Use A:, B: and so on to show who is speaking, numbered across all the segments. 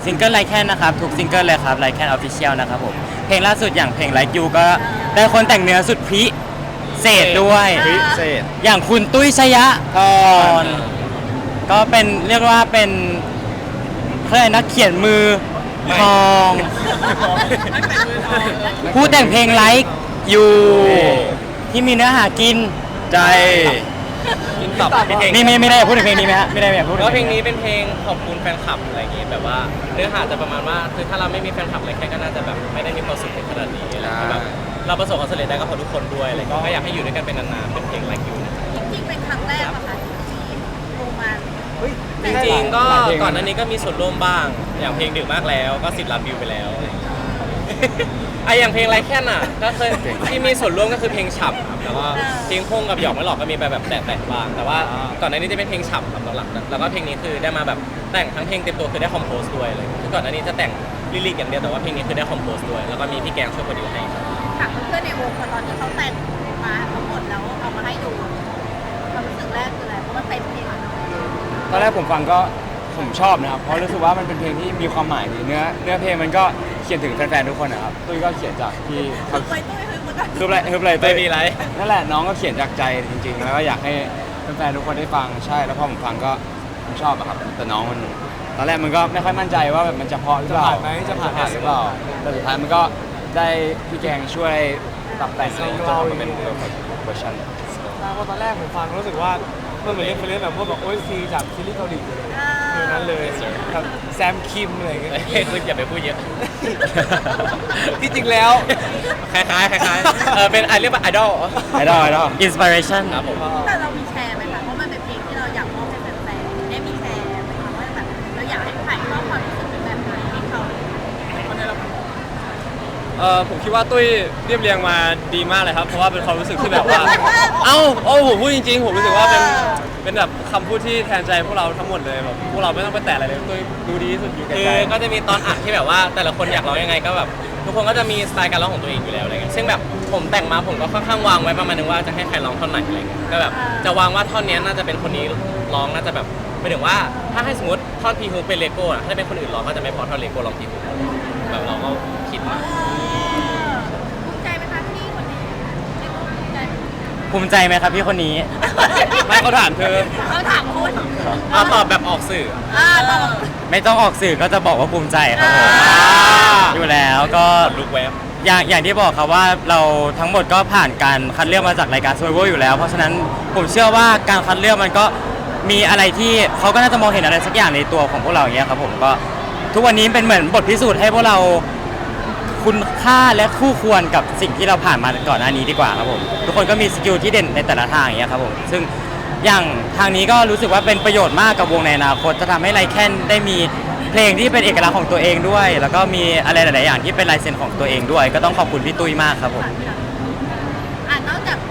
A: ซิงเกิลไลแคนนะครับทุกซิงเกิลเลยครับไลแคนออฟฟิเชียลนะครับผมเพลงล่าสุดอย่างเพลงไลค์ยูก็ได้คนแต่งเนื้อสุดพิเศษด้วย
B: พิเศษ
A: อย่างคุณตุ้ยชยะพรก็เป็นเรียกว่าเป็นเพื่อนนักเขียนมือทองผู้แต่งเพลงไลค์ยูที่มีเนื้อหากิน
B: ใจ
C: ตอบ
A: นี่ไม่ได้อยากพูดถึงเพลงนี้ไหมฮะไม่ได้อยากพูดถึง
C: ก็เพลงนี้เป็นเพลงขอบคุณแฟนคลับอะไรอย่างงี้แบบว่าเนื้อหาจะประมาณว่าคือถ้าเราไม่มีแฟนคลับอะไรแค่ก็น่าจะแบบไม่ได้มีความสุขในขนาดนี้อะไรอย่างเงี้ยแบบเราประสบความสำเร็จได้ก็เพราะทุกคนด้วยอะไรอย่างเงี้ยก็อยากให้อยู่ด้วยกันเป็นนานๆเป็นเพลง Like You นะครับ
D: จริงๆเป็นครั้งแรกอะค่ะที่โรมัน
C: จริงๆก็ก่อนหน้านี้ก็มีส่วนร่วมบ้างอย่างเพลงดึกมากแล้วก็10 ล้านวิวไปแล้วอะไรอย่างเงี้ยไออย่างเพลงไรแค่น่ะก็เคยที่มีส่วนร่วมก็คือเพลงฉ่ำครับแล้วก็เพลงพงกับหยอกไม่หลอกก็มีไปแบบแตะๆบ้างแต่ว่าก่อนหน้านี้จะเป็นเพลงฉ่ำครับหลักๆแล้วก็เพลงนี้คือได้มาแบบแต่งทั้งเพลงเต็มตัวคือได้คอมโพสด้วยเลยคือก่อนหน้านี้จะแต่งลิลิกอย่างเดียวแต่ว่าเพลงนี้คือได้คอมโพสด้วยแล้วก็มีพี่แกงช่วยโปรดิวให้
D: ถามเพื่อนๆในวงพอตอนที่เขาแต่งมาทั้งหมดแล้วเอามาให้ดูความรู้สึกแรกคืออะไรเพราะมันเป็นเพลงอะเนาะ
B: ตอนแรกผมฟังก็ผมชอบนะครับเพราะรู้สึกว่ามันเป็นเพลงที่มีความหมายดีเนื้อเพลงมันก็เขียนถึงแฟนๆทุกคนนะครับตุ้ยก็เขียนจากที่เขา
D: ไปตุ้ยคือมันก็
B: คืออะไร
C: ไม่มีไร
B: นั่นแหละน้องก็เขียนจากใจจริงๆแล้วก็อยากให้แฟนๆทุกคนได้ฟังใช่แล้วพอผมฟังก็ผมชอบอะครับแต่น้องมันตอนแรกมันก็ไม่ค่อยมั่นใจว่าแบบมันจะเพอหรือเปล่าจะผ่านหรือเปล่าแต่สุดท้ายมันก็ได้พี่แกงช่วยปรับแต่งให้จนออกมาเป็น perfect version
E: เพราะตอนแรกผมฟังรู้สึกว่ามันเหมือนเล่นแบบพวกแบบโอซีจากซีรีส์เกาหลีเลยคือนั้นเลยแบบแซมคิมอะไรอย่างเงี้ย
C: คืออย่าไปพูดเยอะ
E: ที่จริงแล้ว
C: คล้ายๆเป็นเรียกว่าไอดอล
A: อินสปิเรชัน
C: ครับผม
D: แต่เรามีแชร์ไหมคะเพราะมันเป็นเพลงที่เราอยากมอบให้แฟนๆได้มีแชร์ไหมคะว่าแบบเราอยากให้ถ่ายทอดความรู้สึกเป็นแบบไหนให้เขา
F: ผมคิดว่าตุ้ยเรียบเรียงมาดีมากเลยครับเพราะว่าเป็นความรู้สึกที่แบบว่า ผมพูดจริงๆผมรู้สึกว่าเป็นแบบคำพูดที่แทนใจพวกเราทั้งหมดเลยแบบพวกเราไม่ต้องไปแตะอะไรเลยตุ้ยดูดีที่สุดอยู่แก่
C: คือ
F: ใจ
C: ก็จะมีตอนอัดที่แบบว่าแต่ละคนอยากร้องยังไงก็แบบทุกคนก็จะมีสไตล์การร้องของตัวเองอยู่แล้วอะไรเงี้ยซึ่งแบบผมแต่งมาผมก็ค่อนข้างวางไว้ประมาณนึงว่าจะให้ใครร้องท่อนไหนอะไรเงี้ยก็แบบจะวางว่าท่อนนี้น่าจะเป็นคนนี้ร้องน่าจะแบบหมายถึงว่าถ้าให้สมมติท่อนพีฮูเป็นเลโก้อะถ้าเป็นคนอื่นร้องก็จะไม่พอท่อนเลโก้ร้องพีฮูแบบเราก็คิดมา
D: ภูมิใจไหมคะที่คนนี้เรียกว่าภูมิใจ
A: ภูมิใจไหมครับพี่คนนี้
F: ไม่เขาถามเธอ
D: เขาถามคุณ
C: เอาตอบแบบออกสื่อ
D: ตอบ
A: ไม่ต้องออกสื่อก็จะบอกว่าภูมิใจครับผมอยู่แล้วก็
C: ลุกแวบ
A: อย่างที่บอกครับว่าเราทั้งหมดก็ผ่านการคัดเลือกมาจากรายการ Survivor อยู่แล้ว เพราะฉะนั้นผมเชื่อว่าการคัดเลือกมันก็มีอะไรที่เขาก็น่าจะมองเห็นอะไรสักอย่างในตัวของพวกเราอย่างเงี้ยครับผมก็ทุกวันนี้เป็นเหมือนบทพิสูจน์ให้พวกเราคุณค่าและคู่ควรกับสิ่งที่เราผ่านมาก่อนหน้านี้ดีกว่าครับผมทุกคนก็มีสกิลที่เด่นในแต่ละทางอย่างเงี้ยครับผมซึ่งอย่างทางนี้ก็รู้สึกว่าเป็นประโยชน์มากกับวงในอนาคตจะทำให้ไลแคนได้มีเพลงที่เป็นเอกลักษณ์ของตัวเองด้วย แล้วก็มีอะไรหลายๆอย่างที่เป็นลายเซ็นของตัวเองด้วย ก็ต้องขอบคุณพี่ตุ้ยมากครับผม
D: นอกจาก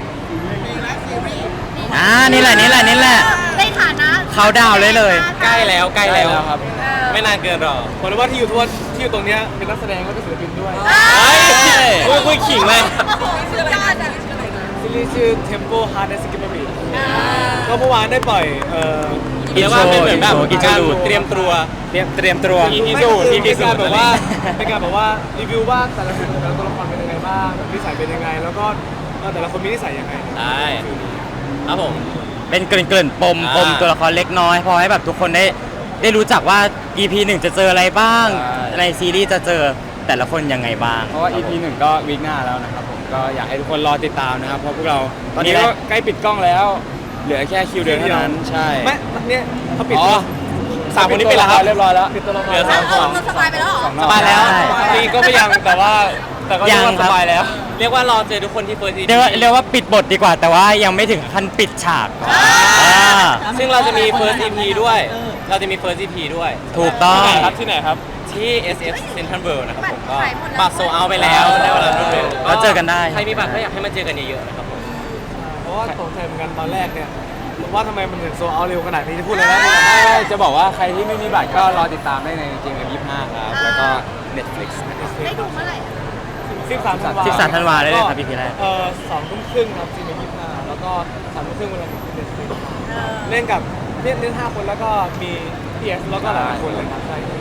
A: นี่แหละ
D: ในฐานะ
A: เขาดาวเลย
C: ใกล้แล้ว
B: ครับ
C: ไม่นานเกินหรอก
E: ผมรู้ว่าที่อยู่ตรงเนี้ยเป็นนักแสดงก็เป็นศิลปินด้วย
C: คุยขิงเลย
D: สุดยอดอะ
E: ซีรีส์ชื่อ Tempo Hard and Skippery ก็เมื่อวานได้ปล่อย
C: เรียกว่าเป็นเหมือนแบบ
A: อินโทร
C: การ
A: ดู
C: เตรียมตัว
B: เตรียมตัว
C: EP
E: ไม่
C: สูตร
E: คือ
C: EP
E: เป็น
C: สู
E: การ
C: ตร
E: แบบว่าเป็นการแบบว่ารีวิวว่าแต่ละตัวละครเป็นยังไงบ้างแบบนิสัยเป็นยังไง แล้วก็แต่ละคนมีนิสัยยังไง
C: ได้ครับผม
A: เป็นเกริ่นๆปม
C: อ่า
A: ตัวละครเล็กน้อยพอให้แบบทุกคนได้รู้จักว่า EP 1 จะเจออะไรบ้าง ในซีรีส์จะเจอแต่ละคนยังไงบ้าง
B: เพราะว่า EP 1 ก็วีคหน้าแล้วนะครับผมก็อยากให้ทุกคนรอติดตามนะครับเพราะพวกเราตอนนี้
A: นี่แห
B: ก็
A: ละ
B: ใกล้ปิดกล้องแล้ว เหลือแค่คิวเดียวเท่านั้นใช่
E: ไม่เนี่ยเขาปิด
B: อ๋อ
C: สามคนนี้เป็นแล้วครับ
B: เรียบร้อยแล้ว
E: ปิดตัวละคร
C: เหลือสาม
D: เราสบายไปแล้วเหรอ
B: สองรอบ
C: สบายแล้ว
A: ใช่
C: นี่ก็ไม่ยังแต่ว่าก็
A: ยัง
C: เรียกว่า
A: ครับ
C: สบายแล้ว เรียกว่ารอเจอทุกคนที่ First EP
A: เรียกว่าปิดบทดีกว่า แต่ว่ายังไม่ถึงขั้นปิดฉากอ่า
C: ซึ่งเราจะมี First EP ด้วย เราจะมี First EP ด้วย
A: ถูกต้อง
C: ที่ไหนครับที่ SF Central World นะครับผมก็บัตรโซเอาไปแล้วได้เวลาดูเลย
A: แล้วเจอกันได้
C: ใครมีบัตรก็อยากให้มาเจอกันเยอะๆนะครับผม
E: เพราะว่าตกใจเหมือนกันตอนแรกเนี่ยว่าทำไมมันถึงโซเอาเร็วขนาดนี้จะพูดเลยนะ
B: จะบอกว่าใครที่ไม่มีบัตรก็รอติดตามได้ในจริงๆ25ครับแล้วก็ Netflix
D: ได้ดูเมื่อไหร่
E: 13 ธันวา
A: 13 ธันวาได้เลยครับ EP แรก
E: 2 ทุ่มครึ่งครับซีน25แล้วก็3 ทุ่มครึ่งเวลาเด็ดสิเล่นกับเล่น5 คนแล้วก็มีพีเอสแล้วก็หลายๆคนเลยครับใช่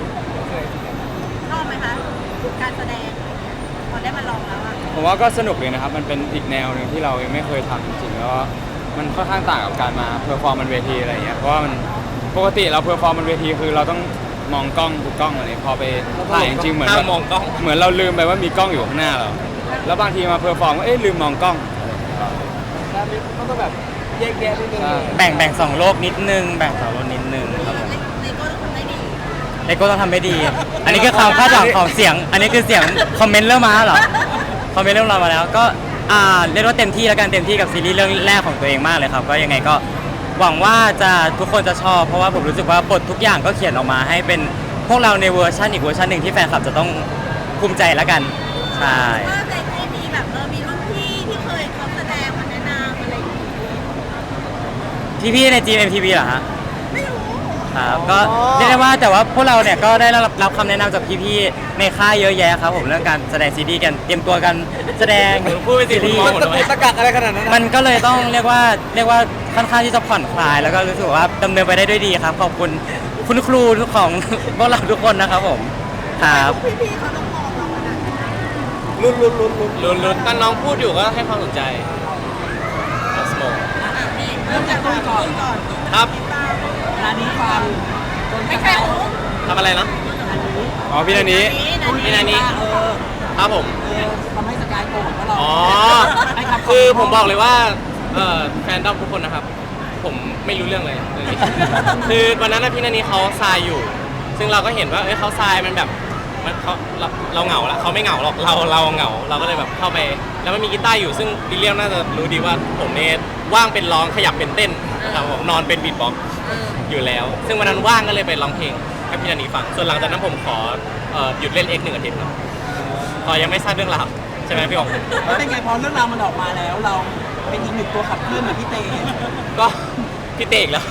E: คืออะไรจริง
D: ชอบไหมคะการแสดงพอได้มาลองแล้วอะ
B: ผมว่าก็สนุกเลยนะครับ มันเป็นอีกแนวหนึ่งที่เรายังไม่เคยทำจริงๆ แล้วก็มันค่อนข้างต่างกับการมาเพอร์ฟอร์มบนเวทีอะไรอย่างเงี้ย เพราะว่ามันปกติเราเพอร์ฟอร์มบนเวทีคือเราต้องมองกล้องดูกล้องอะไรพอไปถ่ายจริงๆเหมือน
C: ห้ามมองกล้อง
B: เหมือนเราลืมไปว่ามีกล้องอยู่ข้างหน้าเรา แล้วบางทีมาเพอร์ฟอร์มก็ลืมมองกล้อง
E: ๆแล้วมันก็แบบแยกแยะนิดนึง
B: ใช่
A: แบ่งสองโลกนิดนึงแบ่งสองโลกนิดนึงครับผม
D: เลโก้ต้องทำได้ดี
A: เลโก้ต้องทำให้ดี อันนี้คือความคาดหวังของเสียง อันนี้คือเสียงคอมเมนต์เริ่มมาเหรอคอมเมนต์เริ่มมาแล้วก็เรียกว่าเต็มที่แล้วกันเต็มที่กับซีรีส์เรื่องแรกของตัวเองมากเลยครับก็ยังไงก็หวังว่าจะทุกคนจะชอบเพราะว่าผมรู้สึกว่าบททุกอย่างก็เขียนออกมาให้เป็นพวกเราในเวอร์ชันอีกเวอร์ชันหนึ่งที่แฟนคลับจะต้องภูมิใจแล้วกันใช่
D: ว่าในที่มีแบบมีรุ่นพี่ที่เคยเขาแสดงมาแนะนำอะไรอย่างงี้
A: พี่ๆใน GMMTV เหรอฮะ
D: ไม่รู้
A: ครับก็เรียกได้ว่าแต่ว่าพวกเราเนี่ยก็ได้รับคำแนะนำจากพี่ๆในค่ายเยอะแยะครับผมเรื่องการแสดงซีรีส์กันเตรียมตัวกันแสดง
C: พูดไปสิ
A: ซีรีส์
C: ผมมองหมดเลย
E: ตะกักอะไรขนาดนั้น
A: มันก็เลยต้องเรียกว่าค่อนข้างที่จะผ่อนคลาย แล้วก็รู้สึกว่าดำเนินไปได้ด้วยดีครับขอบคุณคุณครูทุกของ พวกเราทุกคนนะครับผมครับ
D: พี่ๆเขาต้องมองเราขนาดนั้น
C: ลุ้นๆตอนน้องพูดอยู่ก็ให้ความสนใจสโม
D: เริ่มจากตัวก่อน
C: ครับ
D: ร้านนี้ฟังไม่ใช่หู
C: ทำอะไรนะ
B: อ๋อพี่นันนี้
C: พี่นานี้ครับผม
G: ทำให้สกายโกรธว่าเรา
C: อ๋อ
G: ให้คำ
C: คือผมบอกเลยว่าแฟนดอมทุกคนนะครับ ผมไม่รู้เรื่องเลยเรื่องนี้ คือวันนั้นนะพี่นันนี้เขาทรายอยู่ ซึ่งเราก็เห็นว่าเขาทรายมันแบบมันเราเหงาละเขาไม่เหงาหรอกเราเหงาเราก็เลยแบบเข้าไป แล้วมันมีกีตาร์อยู่ซึ่งวิลเลียมน่าจะรู้ดีว่าผมเนี่ยว่างเป็นร้องขยับเป็นเต้นนะครับผมนอนเป็นบีทบ็อกซ์อยู่แล้ว ซึ่งวันนั้นว่างก็เลยไปร้องเพลงให้พี่นันนี้ฟังส่วนหลังจากนั้นผมขอหยุดเล่น X 1 อาทิตย์ครับพอยังไม่ทราบเรื่องราวใช่ไหมพี่อ๋อง
G: แล้วเป็นไงพอเรื่องราวมันออกมาแล้ว เราเป็นอีกหนึ่งตัวขับเคลื่อนเหมือนพี่เต
C: ก็พี่เตกแล้ว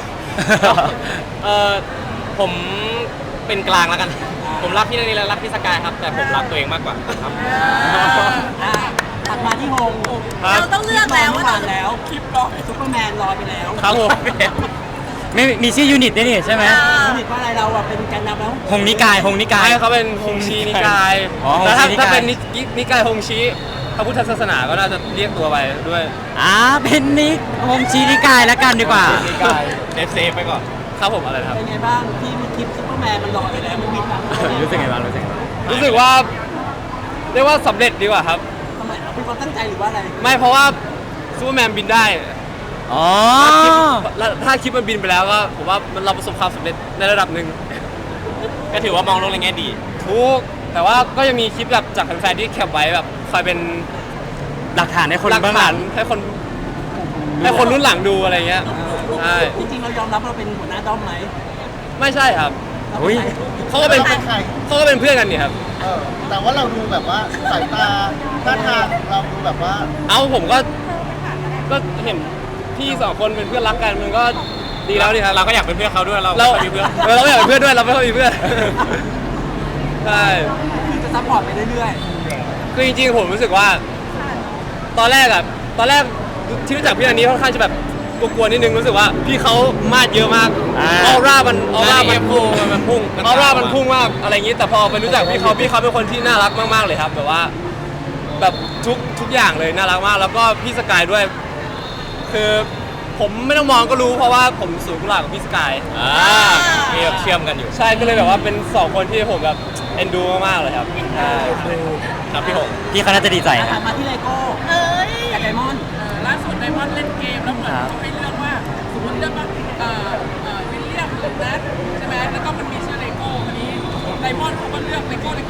C: ผมเป็นกลางแล้วกัน ผมรักพี่นันนี่และรักพี่สกายครับ แต่ผมรักตัวเองมากกว่าครับ
G: ตัดมาที่โฮม
D: เราต้องเลือกแล้วว่า
G: ผ่า
D: เรา
G: นแล้วคลิปรอซุปเปอร์แมนรอไปแล้ว
C: ครับผม
A: ไม่มีชื่อยูนิตด้วยนี่ใช่ไหม
G: สนิทว่าอะไรเราอะเป็นแกนนำแล้ว
A: หงนิกาย
F: ให้เขาเป็นฮงชีนิกาย
A: อ๋อ
F: แล้วถ้า
A: ฮงชีนิกาย
F: ถ้าเป็นนิกายฮงชีพระพุทธศาสนาก็น่าจะเรียกตัวไปด้วย
A: เป็นนิกหงชีนิกายแล้วกันดีกว่า
C: เซฟไปก่อน
F: ครับผมอะไรนะครับ
G: เป็นไงบ้างที่มีคลิปซุปเปอร์แมนมันรอไปแล้วมันบิดหลัง
A: รู้สึกไงบ้างรู้สึกไงบ้าง
F: รู้สึกว่าเรียกว่าสำเร็จดีกว่าครับ
G: ทำไมเป็นความตั้งใจหรือว่าอะไร
F: ไม่เพราะว่าซูเปอร์แมนบินได้
A: อ๋อ
F: ถ้าคลิปมันบินไปแล้วก็ผมว่าเราประสบความสำเร็จในระดับหนึ่ง
C: ก็ถือว่ามองโลกในแง่ดี
F: ทุกแต่ว่าก็ยังมีคลิปแบบจากแฟนๆที่แคปไว้แบบคอยเป็น
A: หลักฐานให้คน
F: หลัก
A: เบื้องห
F: ฐา
A: ลั
F: น
A: ง
F: ให้คนรุ่นหลังดูอะไรเงี้ยใช่
G: จริงๆเรายอมรับเราเป็นหัวหน้าด้อมไหม
F: ไม่ใช่ครับ
A: อุ้ย
F: เขาก็เป็นเพื่อนกันนี่ครับ
H: แต่ว่าเราดูแบบว่าสายตาท่าทางเราดูแบบว่า
F: เอาผมก็เห็นพี่สองคนเป็นเพื่อนรักกันมันก็ดีแล้วดีครับ
C: เราก็อยากเป็นเพื่อนเขาด้วยเรา
F: เรา
C: ไม่มีเพื่อน
F: เราไม่อยากเป็นเพื่อนด้วยเราไม่ค่อยมีเพื่อนใช่
G: คือจะซัพพอร์ตไปเรื่อย
F: คือจริงๆผมรู้สึกว่า ตอนแรกที่รู้จักพี่อันนี้ค่อนข้างจะแบบกลัวๆนิดนึงรู้สึกว่าพี่เขามาดเยอะมากออร่ามันพุ่ง
C: มันพุ่ง
F: ออร่ามันพุ่งมากอะไรอย่างนี้แต่พอไปรู้จักพี่เขาเป็นคนที่น่ารักมากๆเลยครับแบบว่าแบบทุกอย่างเลยน่ารักมาก แล้วก็พี่สกายด้วย คือผมไม่ต้องมองก็รู้เพราะว่าผมสูงกุหลาบกับพี่สกาย
C: มีแบบเชื่อมกันอยู่
F: ใช่ก็เลยแบบว่าเป็นสองคนที่ผมแบบเอ็นดูมากๆเลยครับใช่
C: ครับพี่หง
A: พี่เขาน่าจะดีใจ
G: ๆ
A: นะ
G: ถัดมาที่เลโก้
D: เอ้ย
G: กับไดมอนด์
I: ล่าสุดไดมอนด์เล่นเกมแล้วเหมือน
A: ครับ
I: เขาให้เลือกว่าสมมติเลือกว่าวิลเลียมหรือนัทใช่ไหมแล้วก็มันมีชื่อเลโก้อันนี้ไดมอนด์เขาก็เลือกเลโก้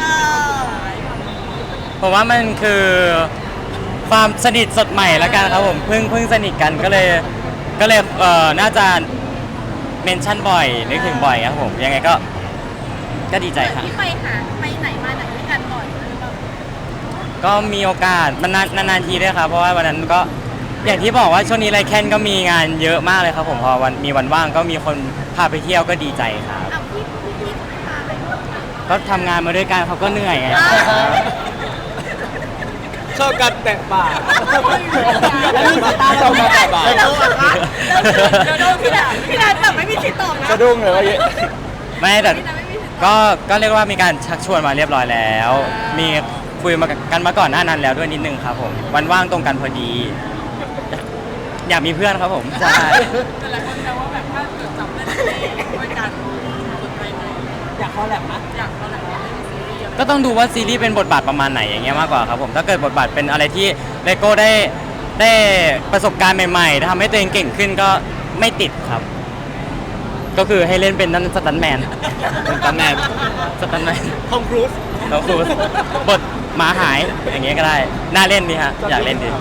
A: ผมว่ามันคือความสนิทสดใหม่แล้วกันครับผมเพิ่งสนิทกันก็เลยน่าจะเมนชั่นบ่อยนึกถึงบ่อยครับผมยังไงก็ดีใจครับ
D: ที่ไปไหนมาไหนด้วยกันบ่อยหรือเปล่า
A: ก็มีโอกาสมันนานๆทีด้วยครับเพราะว่าวันนั้นก็อย่างที่บอกว่าช่วงนี้ไรแคนก็มีงานเยอะมากเลยครับผมพอมีวันว่างก็มีคนพาไปเที่ยวก็ดีใจครับ
D: อ้าวพี่พาไป
A: ก็ทำงานมาด้วยกันเขาก็เหนื่อยไง
E: ชอบการแตะปาก
G: แล้วมีสายตาเราไหม
D: พี่นัทแบบไม่มีสิทธิ์ตอบนะ
B: สะดุ้งเลยว่าเยอะ
A: ไม่แต่
D: พี่นัทไม่มีสิทธิ์
A: ก็เรียกว่ามีการชักชวนมาเรียบร้อยแล้ว มีคุยมากันมาก่อนหน้านั้นแล้วด้วยนิดนึงครับผมวันว่างตรงกันพอดี อยากมีเพื่อนครับผมใช่
I: แต่หลายคนแซวว่าแบบถ้าเกิดจับเล่นซีรีส์ด้วยกันสนใจไหม
G: อยากคอลแลบมั้ย
I: อยากเราแหละเล่นซีรีส์อะไร
A: ก็ต้องดูว่าซีรีส์เป็นบทบาทประมาณไหนอย่างเงี้ยมากกว่าครับผมถ้าเกิดบทบาทเป็นอะไรที่เลโก้ได้ประสบการณ์ใหม่ๆทำให้ตัวเองเก่งขึ้นก็ไม่ติดครับ ก็คือให้เล่นเป็นนั่นสตันแมน
B: เป็นตำแหน่ง
A: สตันแมน
E: ทอมครูซ
A: แล้วครูบทหมาหายอย่างเงี้ยก็ได้น่าเล่นดีฮะอยากเล่นดี
D: อ่ะ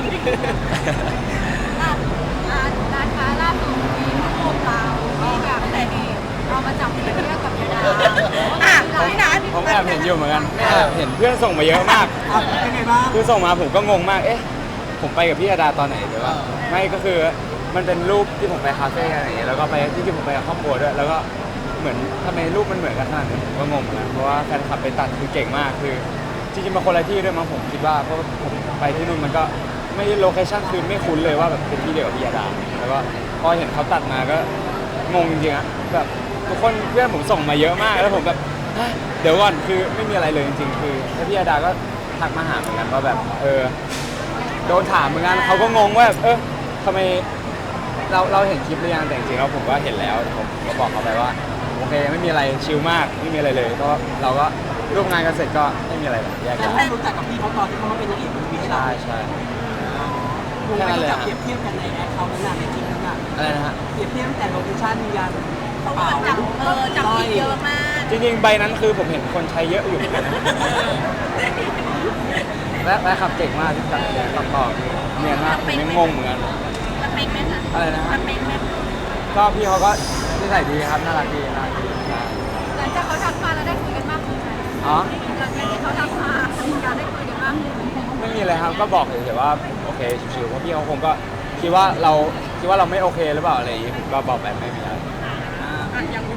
D: ร้านค้าล่าสุดมีรูปเราที่แบบแต่นี่เอามาจับเทียบกับยาดาอ่ะพี่นัท
B: ผมแอบเห็นอยู่เหมือนกันแอบเห็นเพื่อนส่งมาเยอะมาก
G: อ่ะเป็นไงบ้าง
B: คือส่งมาผมก็งงมาก เอ๊ะ ผมไปกับพี่อาดาตอนไหนหรือว่าไม่ก็คือมันเป็นรูปที่ผมไปคาเฟ่อะไรอย่างเงี้ยแล้วก็ไปที่จริงผมไปกับครอบครัวด้วย แล้วก็เหมือนทำไมรูปมันเหมือนกันขนาดนี้ผมก็งงเหมือนกันเพราะว่าแฟนคลับไปตัดคือเก่งมาก คือจริงๆมาคนละที่ด้วยมั้งผมคิดว่าเพราะว่าผมไปที่นู่นมันก็ไม่โลเคชั่นคือไม่คุ้นเลยว่าแบบเป็นที่เดียวกับพี่อาดา แล้วก็พอเห็นเขาตัดมาก็งงจริงๆอะแบบทุกคนเพื่อนผมส่งมาเยอะมากแล้วผมแบบเดี๋ยวก่อนคือไม่มีอะไรเลยจริงๆคือแล้วพี่อาดาก็ทักมาหาเหมือนกันว่าแบบโดนถามเหมือนกันเขาก็งงว่าทำไมเราเห็นคลิปหรือยังแต่จริงๆแล้วผมก็เห็นแล้วผมก็บอกเขาไปว่าโอเคไม่มีอะไรชิลมากไม่มีอะไรเลยก็เราก็ร่วมงานกันเสร็จก็ไม่มีอะไรแบบแยก
G: แต่
B: ย้าย
G: ได้รู้จักกับพี่เขาตอนที่เขามาเป็นนางเอกมันมีให้เรา
B: ใช่
G: ดูไปจับเปรียบเทียบกันในแอคเคาท์นั้นน่ะในคลิปนั้นน่ะ
B: อะไรนะฮะ
G: เปรียบเทียบตั้งแต่โลเคชั่นยัน
D: เพราะว่าจับผิดเยอะมาก
B: จริงๆใบนั้นคือผมเห็นคนใช้เยอะอยู่เหมือนกันนะและขับเก่งมากที่จับต่อเนียนมากผมยังงงเหมือนกัน
D: มันเป็นไหมคะ
B: อะไรนะฮะ
D: มันเป็นไหม
B: ก็พี่เขาก็นิสัยดีครับน่ารักดีน่ารักดี
D: หลังจากเขาทักมาแล้วได้คุยกันมากขึ้นไหม
B: อ๋อ
D: หลังจากที่เขาทักมามีการได้คุยกันมากขึ้น
B: ไม่มีอะไรครับก็บอกเฉยๆว่าโอเคชิวๆเพราะพี่เขาคงก็คิดว่าเราไม่โอเคหรือเปล่าอะไรอย่างงี้ผมก็บอกแบบไม่มีอะไร
I: อ่ะอย่าง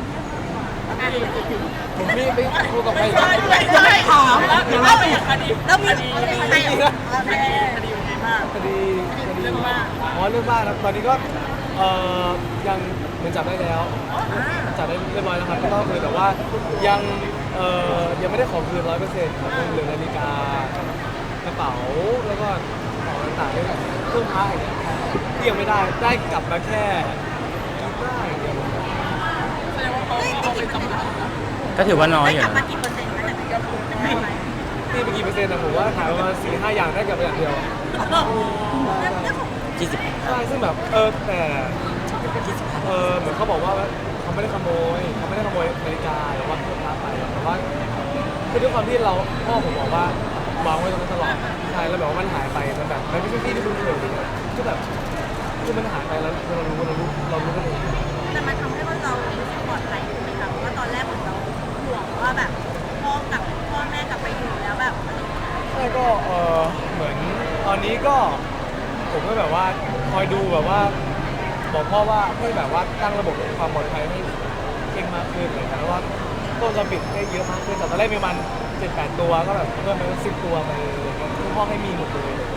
B: ผมไม่พูดกับใคร
G: จะไม่ถาม
I: แล้วเป็นคดี
D: แล้วมี
I: คดี
D: ใคร
I: คดีเป็นไงบ้าง
E: คดี
I: เรื่องมาก
E: อ๋อเรื่องบ้านครับตอนนี้ก็ยังเหมือนจับได้แล้วจับได้เรียบร้อยแล้วครับก็คือแต่ว่ายังยังไม่ได้ของคืน100%ครับยังเหลือนาฬิกากระเป๋าแล้วก็ของต่างๆเรื่องเครื่องพระอย่างเงี้ยที่ยังไม่ได้กลับมาแค่กีตาร์อย่างเดียว
I: แสดงว่าเขาเอาไปจำนำนะ
A: ก็ถือว่าน้อย
D: ได้
A: อยู่
D: กลับมา
A: นะ
D: กี่เปอร์เซ็นต์คะแต่ไม่ยอมพูดไม่ไหว
E: ตีไปกี่เปอร์เซ็นต์นะผมว่าขายประมาณ4-5 อย่างได้กลับมาอย่างเดียว
A: 20
E: ใช่ซึ่งแบบแต่เหมือนเขาบอกว่าเขาไม่ได้ขโมยนาฬิกาหรือว่าเครื่องพระไปแต่ว่าคือด้วยความที่พ่อผมบอกว่าวางไว้ตรงนั้นตลอดใช่แล้วแบบว่ามันหายไปมันแบบมันไม่ใช่ที่ที่คุณเคยก็แบบคือมันหายไปแล้วเรารู้กันเอง
D: แต่มันทำให้เรารู้สึกปลอดภัยขึ้นไหมคะเพราะว่าตอนแรกเหมือนเราห่วงว่าแบบพ่อแม่กลับไปอยู่แล้วแบบ
E: ใช่ก็เหมือนตอนนี้ก็ผมก็แบบว่าคอยดูแบบว่าบอกพ่อว่าให้แบบว่าตั้งระบบความปลอดภัยให้เก่งมากขึ้นเลยนะว่าต้นจะปิดได้เยอะมากขึ้นแต่ตอนแรกมีมัน7-8 ตัวก็แบบเพิ่มไปเป็น10 ตัวไปเลยพ่อให้มีหมดเลย